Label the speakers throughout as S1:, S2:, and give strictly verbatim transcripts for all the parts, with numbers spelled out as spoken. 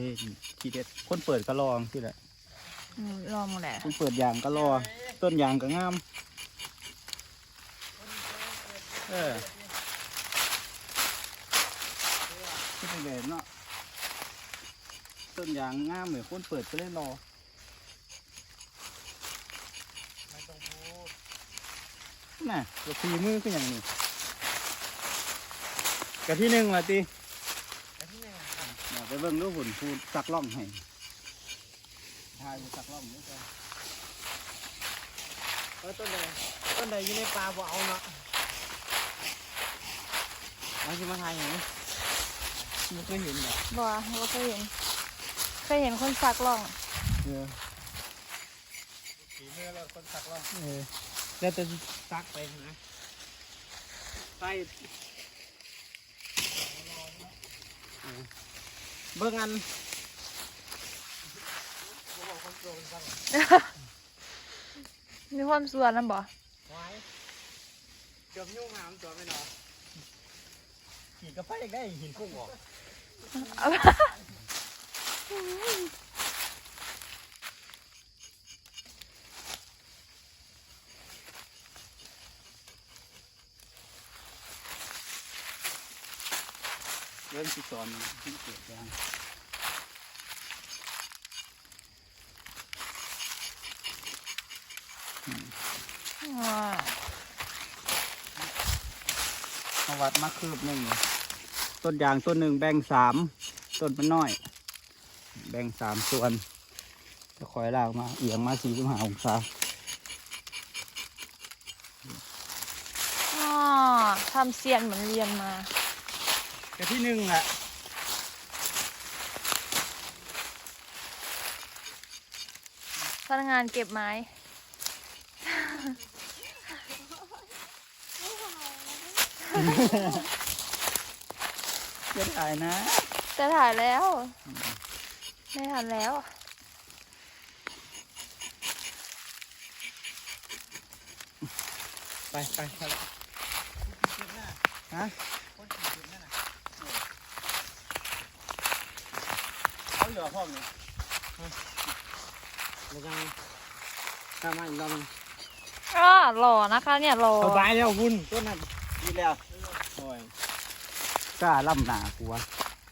S1: ทีเด็ดคนเปิดก็ลองที่แหละ
S2: ลองแหละ
S1: คนเปิดยางก็รอต้นยางก็งามเออที่เป็นแบบเนาะต้นยางงามเหมือนคนเปิดก็เลยรอไม่ต้องพูดน่ะกระทีมือก็อย่างนี้กระที่หนึ่งละตีกระที่หนึ่งอยากไปเบิ่งรูปหุ่นพูดสักล่องให้ทายสักล่องนี่ก็
S3: เออต้นใดต้นใดอยู่ในปลาบ่เอาเนาะเอาสิมาทายอย่างนี้ไม่เคยเห็นหรอ
S2: บ่เราเคยเห็นเคยเห็นคนสักล่อง
S1: เออ
S3: สีเมื่อเราคนสักล่อง
S1: เออแล้วจะ
S3: ซักไปนะไปเบิ่งอัน
S2: มีความส่วนนั่นบ่
S3: ไว้เกือบยุ่งหามตัวไม่หนอขี่กระไฟได้หินพุ่งออก
S1: เริ่มที่สอนที่เกิดยางเอาวัดมาคืบหนึ่งต้นยางต้นหนึ่งแบ่งสามต้นมันน้อยแบ่งสามส่วนจะคอยลากมาเอียงมาสี่สิบห้าองศา
S2: อ๋อทำเซียนเหมือนเรียนมา
S1: แต่ที่หนึ่งแหละ
S2: พนักงานเก็บไม้
S1: จะถ่ายนะ
S2: จะถ่ายแล้วไม่ทันแล้ว
S1: ไปไปไปฮะเขาเหลือห้องเนี่ย
S3: แล้วยังข้ามาอีกรอบนึง
S2: อ่าหล่อนะคะเนี่ยหล่อ
S3: สบายแล้ววุ่นต้นนั้น
S1: ดีแล้วโอ้ยกล้าล่ำหนากูวะ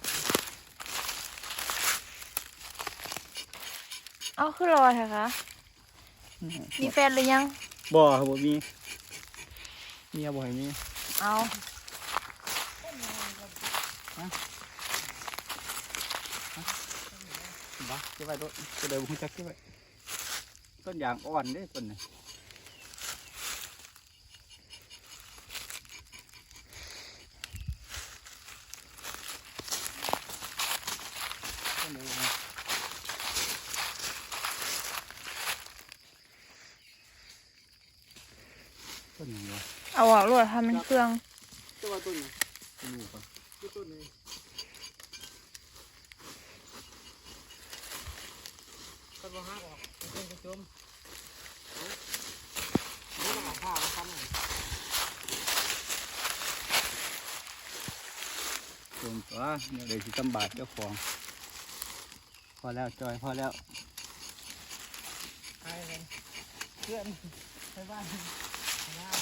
S2: เอาคือรอเถอะคะมีแฟนหรือยัง
S1: บ่ครับบ่มีเมียบ่ให้มี
S2: เอา
S1: บ้าเก็บไว้ด้วยจะเดี๋ยวผมจะเก็บไว้ต้นยางอ่อนเด้ต้นนี้ต้นนี้ต้นนี้วะ
S2: เอาออกลวดทำเป็นเครื่อง
S3: ตัวต้นนี้
S1: ต้นนี้ปะ
S3: ต้นนี้ต้นมะฮากออกต้นกระจุ่มนี่ต้องหาผ้ามาทำหน่อย
S1: จงตัวเนี่ยเดี๋ยวสิตำบาดเจ้าของพอแล้วจอยพอแล้ว
S3: ไปเลยเพื่อนไปบ้าน